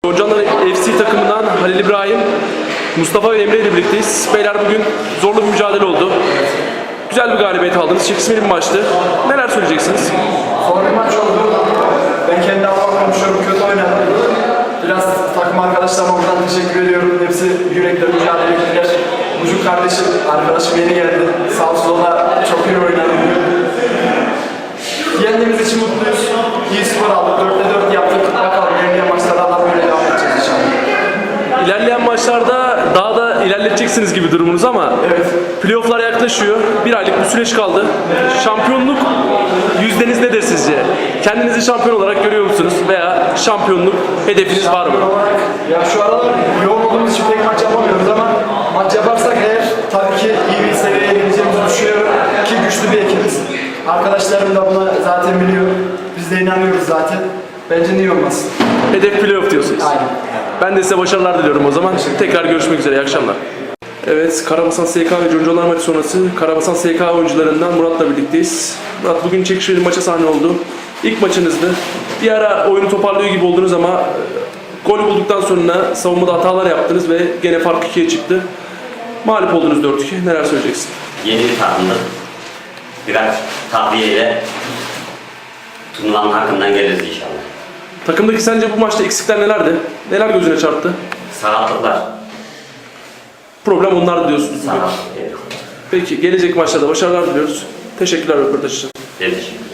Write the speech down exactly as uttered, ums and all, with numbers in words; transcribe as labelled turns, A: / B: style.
A: Yoncanlar F C takımından Halil İbrahim, Mustafa ve Emre ile birlikteyiz. Beyler bugün zorlu bir mücadele oldu. Güzel bir galibiyet aldınız. Çekişmeli bir maçtı. Neler söyleyeceksiniz?
B: Zor bir maç oldu. Ben kendi adıma konuşuyorum. Kötü oynadım. Biraz takım arkadaşlarıma oradan teşekkür ediyorum. Hepsi yürekle mücadele ettiler. Bucuk kardeşim, arkadaşım yeni geldi. Sağ olsun o da çok iyi oynadı. Yendiğimiz için mutluyuz. İyi skor aldık. dörtte dört yaptık. Bakalım ilerleyen maçlarda da böyle devam edeceğiz inşallah.
A: İlerleyen maçlarda daha da ilerleteceksiniz gibi durumunuz ama
B: Evet.
A: playoff'lar yaklaşıyor. Bir aylık bir süreç kaldı. Şampiyonluk yüzdeniz nedir sizce? Kendinizi şampiyon olarak görüyor musunuz? Veya şampiyonluk hedefiniz var mı?
B: Olarak, ya şu aralar yoğun olduğumuz için pek maç yapamıyoruz ama maç yaparsak eğer tabii ki iyi bir seviyeye geleceğimizi düşünüyorum ki güçlü bir ekibiz. Arkadaşlarım da buna zaten biliyor. Biz de inanıyoruz zaten. Bence niye olmasın?
A: Hedef playoff diyorsunuz.
B: Aynen.
A: Ben de size başarılar diliyorum o zaman. Tekrar görüşmek üzere. İyi akşamlar. Evet, Karabasan S K ve Yoncanlar maçı sonrası Karabasan S K oyuncularından Murat'la birlikteyiz. Murat bugün çekişmeli maça sahne oldu. İlk maçınızdı. Bir ara oyunu toparlıyor gibi oldunuz ama gol bulduktan sonra savunmada hatalar yaptınız ve gene fark ikiye çıktı. Mağlup oldunuz dört iki. Neler söyleyeceksin?
C: Yeni bir takımdık. Biraz takviyeyle turnuvanın hakkından geliriz inşallah.
A: Takımdaki sence bu maçta eksikler nelerdi? Neler gözüne çarptı?
C: Sakatlıklar.
A: Problem onlardı diyorsunuz.
C: Sakatlık. Evet.
A: Peki gelecek maçlarda başarılar diliyoruz. Teşekkürler röportaj için.
C: Teşekkür